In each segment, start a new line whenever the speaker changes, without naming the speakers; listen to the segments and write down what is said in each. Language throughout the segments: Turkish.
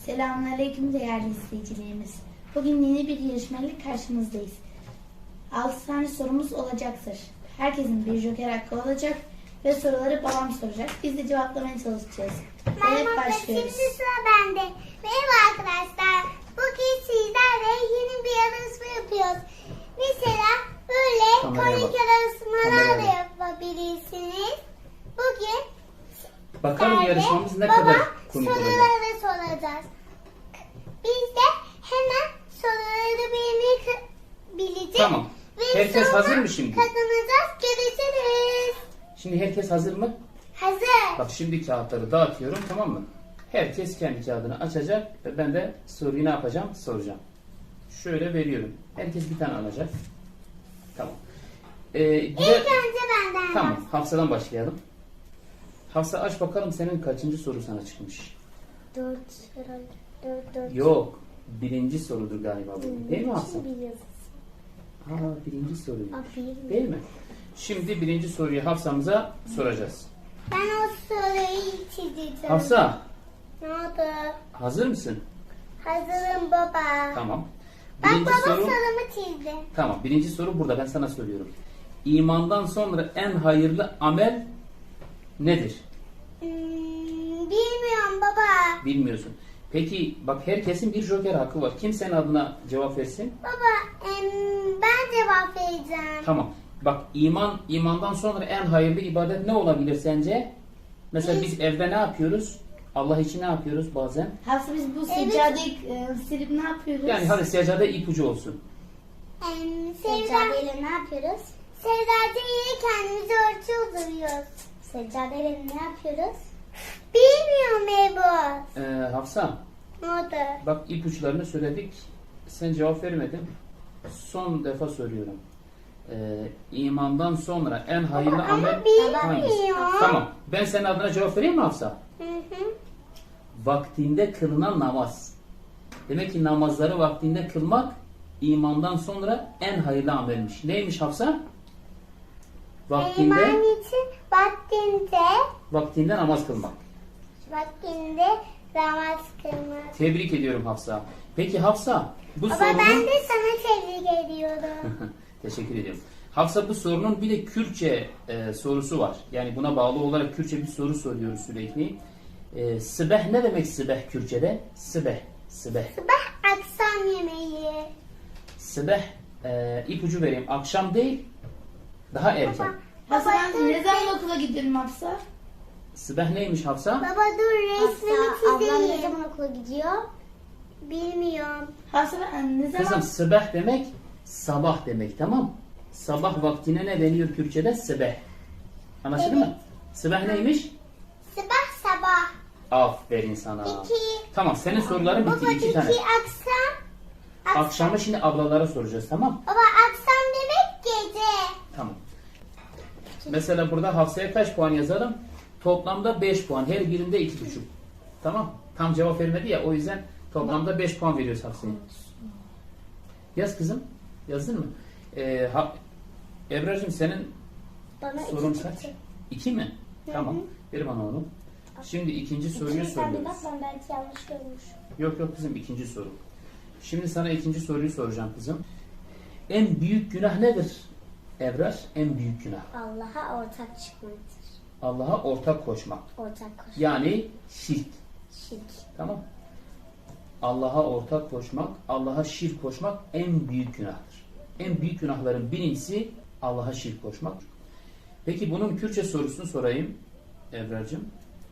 Selamünaleyküm değerli izleyicilerimiz. Bugün yeni bir yarışmayla karşınızdayız. 6 tane sorumuz olacaktır. Herkesin bir joker hakkı olacak ve soruları babam soracak. Biz de cevaplamaya çalışacağız. Evet, başlıyoruz.
Şimdi sıra bende. Merhaba arkadaşlar. Bugün sizlerle yeni bir yarışma yapıyoruz. Mesela böyle komik yarışmalar da yapabilirsiniz. Bugün
bakalım
sizlerle
yarışmamız ne kadar komik olacak.
soruları soracağız. Biz de hemen soruları bileceğiz.
Tamam.
Ve
Herkes
sonra
hazır mı şimdi?
kazanacağız. Görüşürüz.
Şimdi herkes hazır mı?
Hazır.
Bak şimdi kağıtları dağıtıyorum, tamam mı? Herkes kendi kağıdını açacak ve ben de soruyu ne yapacağım? Soracağım. Şöyle veriyorum. Herkes bir tane alacak. Tamam.
İlk önce benden.
Tamam. Hafsa'dan başlayalım. Hafsa aç bakalım senin kaçıncı soru sana çıkmış?
4 herhalde. 4.
Yok. Birinci sorudur galiba bu. Değil mi Hafsa? Birinci soru. Değil mi? Şimdi birinci soruyu Hafsa'mıza soracağız.
Ben o soruyu çizeceğim.
Hafsa,
Ne oldu?
hazır mısın?
Hazırım baba.
Tamam.
Bak
Birinci
baba
soru.
sorumu çizdi.
Tamam. Birinci soru burada. Ben sana söylüyorum. İmandan sonra en hayırlı amel nedir?
Bilmiyorum baba.
Bilmiyorsun. Peki bak herkesin bir joker hakkı var. Kim senin adına cevap versin?
Baba ben cevap vereceğim.
Tamam. Bak imandan sonra en hayırlı ibadet ne olabilir sence? Mesela biz evde ne yapıyoruz? Allah için ne yapıyoruz bazen?
Hafsa biz bu seccadeyi silip ne yapıyoruz?
Yani hadi seccade ipucu olsun.
Seccadeyle ne yapıyoruz? Seccadeyle kendimizi ölçüyoruz. Seccadeyle ne yapıyoruz? Bilmiyorum Ebu.
Hafsa,
Ne oldu?
bak ipuçlarını söyledik. Sen cevap vermedin. Son defa soruyorum. İmandan sonra en hayırlı
Ama
amel hangisi?
bilmiyorum.
Tamam. Ben senin adına cevap vereyim mi Hafsa?
Hı hı.
Vaktinde kılınan namaz. Demek ki namazları vaktinde kılmak imandan sonra en hayırlı amelmiş. Neymiş Hafsa?
İman için
Vaktinde namaz kılmak.
vaktinde namaz kılmak.
Tebrik ediyorum Hafsa. Peki Hafsa, bu
Baba
sorunun...
ben de sana tebrik ediyorum.
Teşekkür ediyorum. Hafsa, bu sorunun bir de Kürtçe sorusu var. Yani buna bağlı olarak Kürtçe bir soru soruyoruz sürekli. Sıbeh ne demek sıbeh Kürtçe'de? Sıbeh.
Sabah akşam yemeği.
Sıbeh ipucu vereyim. Akşam değil, daha erken.
Hafsa ben
dur,
ne zaman okula gidiyorum Hafsa?
Sıbeh neymiş Hafsa?
Baba dur resmini çizeyim.
Ablam ne zaman okula gidiyor?
Bilmiyorum.
Hafsa ben ne zaman...
Kızım sıbeh demek sabah demek, tamam. Sabah vaktine ne deniyor Kürtçe'de? Sıbeh. Anlaşıldı mı? Sıbeh neymiş?
Sabah.
Aferin sana.
2.
Tamam, senin soruların bitti.
Baba
2 tane.
akşam.
Akşamı şimdi ablalara soracağız, tamam?
Baba akşam demek gece.
Tamam. Mesela burada Hafsa'ya kaç puan yazalım? Toplamda 5 puan. Her birinde 2,5. Tamam. Tam cevap vermedi ya, o yüzden toplamda 5 puan veriyoruz Hafsa'ya. Yaz kızım. Yazdın mı? Ebrar'cığım senin
Bana
sorun
2
kaç?
çıktı.
2 mi? Tamam. Ver bana onu. Şimdi ikinci soruyu
Sen bir bak
soruyoruz.
ben belki yanlış görmüş.
Yok kızım, ikinci soru. Şimdi sana ikinci soruyu soracağım kızım. En büyük günah nedir Ebrar? En büyük günah.
Allah'a ortak çıkmaktır.
Allah'a ortak koşmak.
Ortak koşmak.
Yani şirk.
Şirk.
Tamam. Allah'a ortak koşmak, Allah'a şirk koşmak en büyük günahtır. En büyük günahların birincisi Allah'a şirk koşmak. Peki bunun Kürtçe sorusunu sorayım Ebrar'cığım.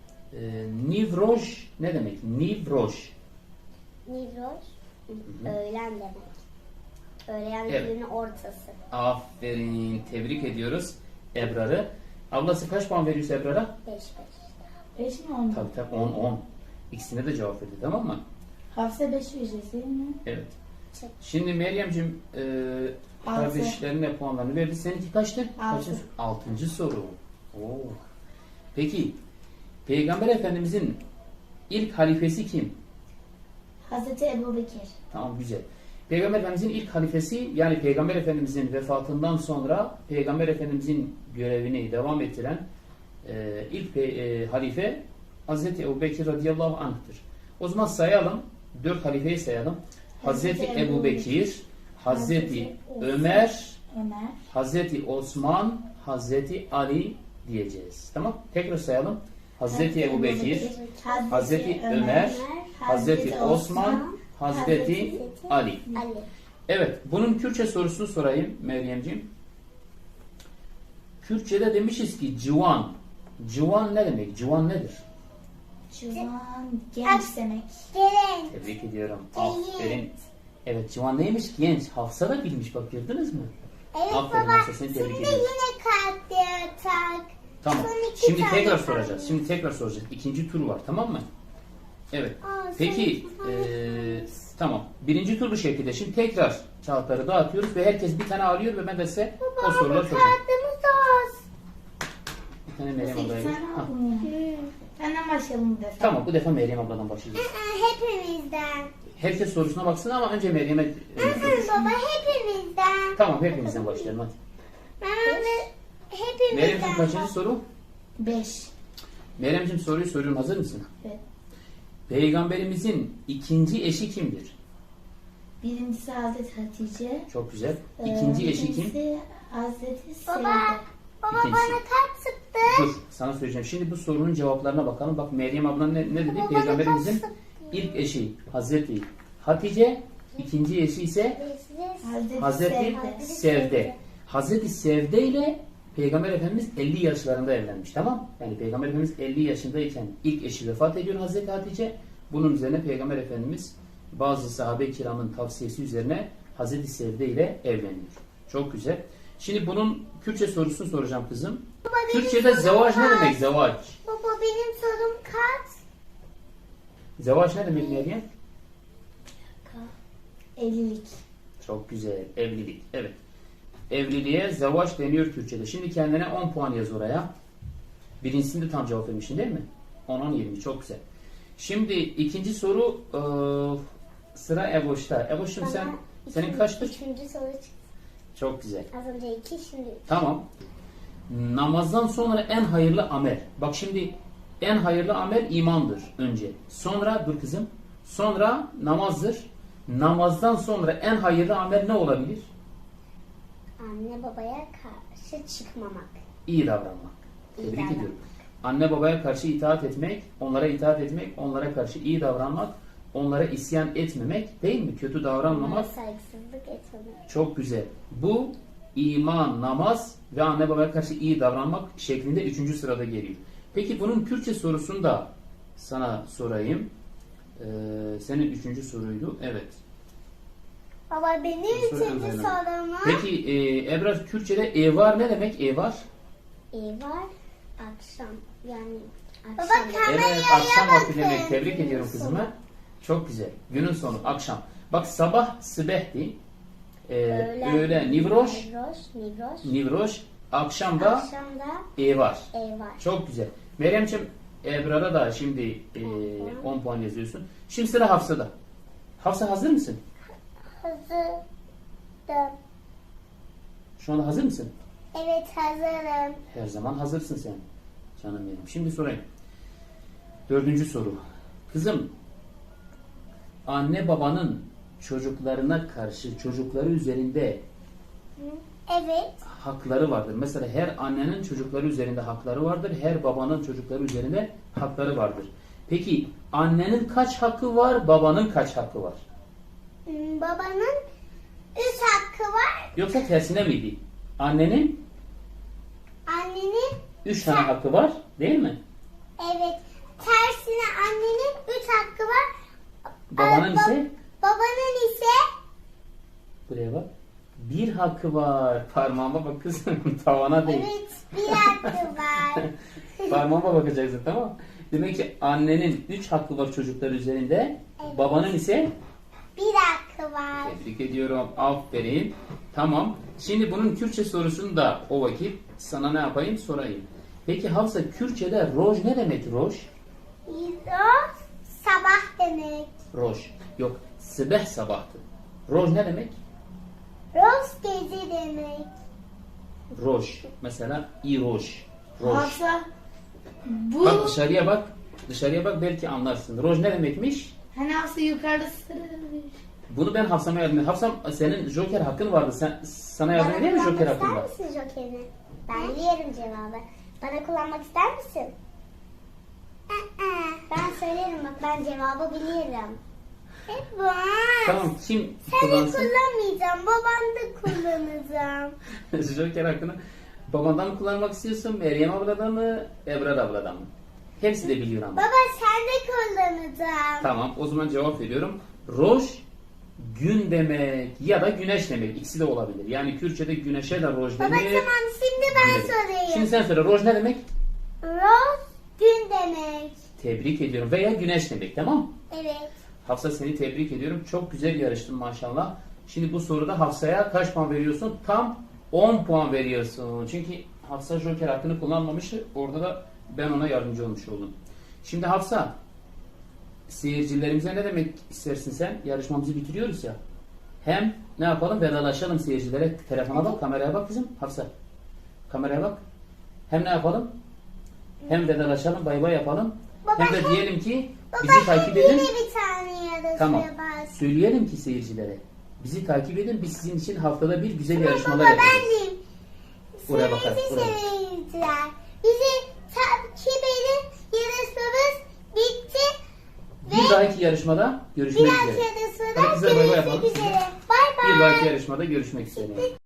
Nivroj ne demek? Nivroj.
Nivroz, öğlen demek. Öğlen
Evet.
günün ortası.
Aferin. Tebrik ediyoruz Ebrar'ı. Ablası kaç puan veriyorsa Ebrar'a?
5.
5 mi oldu?
Tabii 10. İkisine de cevap verdi, tamam mı?
Hafsa 5 vereceğiz değil mi?
Evet.
Çek.
Şimdi Meryem'ciğim kardeşlerine puanlarını verdi. Seninki kaçtı?
6.
6. soru. Oo. Peki Peygamber Efendimizin ilk halifesi kim?
Hazreti Ebu Bekir.
Tamam, güzel. Peygamber Efendimizin ilk halifesi, yani Peygamber Efendimizin vefatından sonra Peygamber Efendimizin görevini devam ettiren ilk halife Hazreti Ebu Bekir radıyallahu anh'tır. O zaman sayalım. 4 halifeyi sayalım. Hazreti Ebu Bekir, Hazreti Ömer,
Ömer,
Hazreti Osman, Hazreti Ali diyeceğiz. Tamam? Tekrar sayalım. Hazreti Ebu Bekir, Hazreti Ömer, Hazreti Osman, Hazreti Ali.
Ali.
Evet, bunun Kürtçe sorusunu sorayım Meryemciğim. Kürtçe'de demişiz ki civan. Civan ne demek? Civan nedir?
Civan, genç demek.
Gelin.
Tebrik ediyorum.
Genç.
Aferin. Evet, civan neymiş? Genç. Hafsa da bilmiş, bak gördünüz mü?
Evet
Aferin
baba.
Hafsa, seni tebrik
Şimdi
ediyorum.
yine kart yatak.
Tamam.
Son iki
Şimdi
tane
tekrar
kaldı.
soracağız. Şimdi tekrar soracağız. İkinci tur var, tamam mı? Evet.
Aa,
Peki,
son iki
tamam. Birinci tur bu şekilde. Şimdi tekrar kağıtları dağıtıyoruz ve herkes bir tane alıyor ve ben de size o soruları soracağım.
Kartımız az.
Bir tane Meryem
Nasıl
ablaya
iki
ver.
tane
Ha.
aldın ya? Benden başlayalım bu defa.
Tamam, bu defa Meryem abladan başlayacağız.
Hepimizden.
Herkes sorusuna baksın ama önce Meryem'e...
Baba hepimizden.
Tamam, hepimizden başlayalım hadi.
Ben de
Meryem'ciğim
hepimizden.
kaçıncı soru?
5.
Meryem'ciğim soruyu soruyorum, hazır mısın?
Evet.
Peygamberimizin ikinci eşi kimdir?
Birincisi Hazreti Hatice.
Çok güzel. İkinci eşi kim?
İkincisi Hazreti
Baba,
Sevde.
baba
İkincisi.
bana kart sıktı.
Dur, sana söyleyeceğim. Şimdi bu sorunun cevaplarına bakalım. Bak Meryem abla ne dedi?
Baba,
Peygamberimizin
bana
ilk eşi Hazreti Hatice, ikinci eşi ise Hazreti Sevde. Hazreti Sevde ile Peygamber Efendimiz 50 yaşlarında evlenmiş, tamam? Yani Peygamber Efendimiz 50 yaşındayken ilk eşi vefat ediyor Hazreti Hatice. Bunun üzerine Peygamber Efendimiz bazı sahabe-i kiramın tavsiyesi üzerine Hazreti Sevde ile evleniyor. Çok güzel. Şimdi bunun Kürtçe sorusunu soracağım kızım.
Baba, benim
Kürtçe'de
sorum
zevaç ne
kaç?
demek zevaç?
Baba benim sorum kaç?
Zevaç ne demek Meryem?
Evlilik.
Çok güzel. Evlilik. Evet. Evliliğe zevaç deniyor Kürtçe'de. Şimdi kendine 10 puan yaz oraya. Birincisinde tam cevap vermişsin değil mi? 10, 20. Çok güzel. Şimdi ikinci soru sıra Eboş'ta. Eboş'um senin kaçtır?
Üçüncü soru çıktı.
Çok güzel.
Az önce 2, şimdi 3.
Tamam. Namazdan sonra en hayırlı amel. Bak şimdi en hayırlı amel imandır önce. Sonra dur kızım. Sonra namazdır. Namazdan sonra en hayırlı amel ne olabilir?
Anne babaya karşı çıkmamak.
İyi davranmak.
İyi
Tebrik
davranmak.
ediyorum. Anne babaya karşı itaat etmek, onlara itaat etmek, onlara karşı iyi davranmak, onlara isyan etmemek değil mi? Kötü
Onlara
davranmamak.
saygısızlık etmemek.
Çok güzel. Bu iman, namaz ve anne babaya karşı iyi davranmak şeklinde 3. sırada geliyor. Peki bunun Kürtçe sorusunu da sana sorayım. Senin 3. soruydu. Evet.
Baba benim
Soru
üçüncü
önemli.
sorum.
Peki Ebrar Kürtçe'de evar ne demek? Evar?
Var akşam, yani
Baba
akşam.
kameraya
Evet, akşam vakti
bakın.
demek. Tebrik ediyorum kızımı. Çok güzel. Günün sonu, akşam. Bak sabah sıbehti. Öğle nivroş.
Nivroş.
Nivroş. Akşam da
Akşam da
evar.
var.
Çok güzel. Meryemciğim Ebrar'a da şimdi 10 puan yazıyorsun. Şimdi sıra Hafsa'da. Hafsa hazır mısın?
Hazırım.
Şu anda hazır mısın?
Evet hazırım.
Her zaman hazırsın sen. Canım benim. Şimdi sorayım. 4. soru. Kızım, anne babanın çocuklarına karşı çocukları üzerinde
Evet.
hakları vardır. Mesela her annenin çocukları üzerinde hakları vardır. Her babanın çocukları üzerinde hakları vardır. Peki annenin kaç hakkı var, babanın kaç hakkı var?
Babanın 3 hakkı var.
Yoksa tersine miydi? Annenin
Annenin
3 tane hakkı var, değil mi?
evet. Tersine annenin 3 hakkı var.
Babanın ise
Babanın ise
buraya bak. 1 hakkı var. Parmağıma bak kızım. Tavana değil.
evet 1 hakkı var.
Parmağıma bakacaksın, tamam mı? Demek ki annenin 3 hakkı var çocuklar üzerinde.
Evet.
Babanın ise
1 hakkı var.
tebrik ediyorum. Aferin. Tamam. Şimdi bunun Kürtçe sorusunu da o vakit sana ne yapayım sorayım. Peki Hafsa Kürtçe'de roj ne demek roj?
Roz sabah demek.
Roj. Yok. Sıbeh sabahtı. Roj ne demek?
Roz gece demek.
Roj. Mesela i roj. Roj.
Hafsa bu
Bak dışarıya bak. Dışarıya bak, belki anlarsın. Roj ne demekmiş?
Hani Hafsa yukarıda sarı.
Bunu ben Hafsa'ma yardım edeyim. Hafsa, senin Joker hakkın vardı. Sana yardım edeyim mi Joker
kullanmak
hakkında?
ister misin Joker'i? Ben biliyorum cevabı. Bana kullanmak ister misin? Ben söylerim bak, ben cevabı biliyorum.
Var.
Tamam, kim
Sen de
kullansın?
kullanmayacağım. Babam da kullanacağım.
Joker hakkını babandan mı kullanmak istiyorsun? Meryem abladan mı? Ebrar abladan mı? Hepsi de biliyor ama.
Baba sen de kullanacağım.
Tamam, o zaman cevap veriyorum. Roj gün demek ya da güneş demek. İkisi de olabilir. Yani Kürtçe'de güneşe de roj
Baba
denir.
tamam şimdi ben
Güneş.
sorayım.
Şimdi sen söyle, roj ne demek?
Rose gün demek.
Tebrik ediyorum. Veya güneş demek, tamam?
Evet.
Hafsa, seni tebrik ediyorum. Çok güzel yarıştın maşallah. Şimdi bu soruda Hafsa'ya kaç puan veriyorsun? Tam 10 puan veriyorsun. Çünkü Hafsa Joker hakkını kullanmamıştı. Orada da ben ona yardımcı olmuş oldum. Şimdi Hafsa, seyircilerimize ne demek istersin sen? Yarışmamızı bitiriyoruz ya. Hem ne yapalım? Vedalaşalım seyircilere. Telefona bak, kameraya bak kızım. Hafsa, kameraya bak. Hem ne yapalım? Hem vedalaşalım, bay bay yapalım.
Baba,
Hem de diyelim ki
Baba
bizi takip edin.
yine bir tane yarışmaya
Tamam.
bas.
Söyleyelim ki seyircilere. Bizi takip edin. Biz sizin için haftada bir güzel
Baba
yarışmalar
ben
yapacağız.
diyeyim.
Oraya bakar,
Sevgili
oraya.
seyirciler. Bizi takip edin. Yarışmamız bitti.
Bir dahaki yarışmada görüşmek
Bir dahaki
üzere.
yarışmada
Hadi kızlar, bay bay yapalım.
görüşmek üzere. Bay bay.
Bir dahaki yarışmada görüşmek üzere.